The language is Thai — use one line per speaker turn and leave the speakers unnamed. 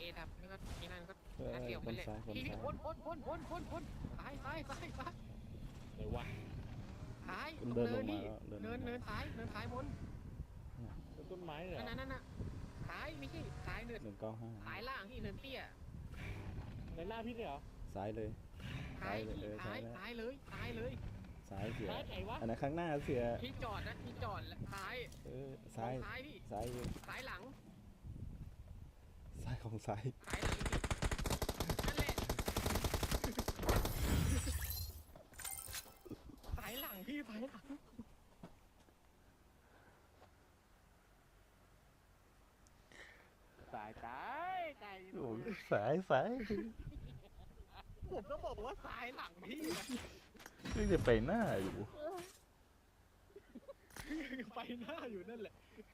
ดับนี่ก็นี่นั่นก็
เฮ้ย
นัดเดียวกันเลย
คนซ้าย
พี่พ้นตาย
เลยวะ
ตาย
มันเดินลงมาแล้ว
เนินตายบน
เป็นต้นไม้เหรอ
นั่นน่ะตายไม่ใช่ตายเนิน
195
ตายล่างที่เนินเตี้ย
ในหน้าพี่เนี่ยเหรอ
ซ้ายเลย
ตาย
ซ้ายเลย
ตายเลย
ซ้ายเสีย
ซ้ายไหนวะ
อันนั้นข้างหน้าเสีย
ที่จอดแล้วตาย
ซ้าย
ซ้ายพี่
ซ้ายอยู่
ซ้ายหลัง
ซ้ายของซ้าย
ซ้ายหลังพี่นั่นแหละซ้ายหลังพี่ซ้ายหลัง
ตาย
โอ้ซ้าย
ผมก็บอกว่าซ้ายหลังพี่
นี่จะไปหน้าอยู่
ไปหน้าอยู่นั่นแหละ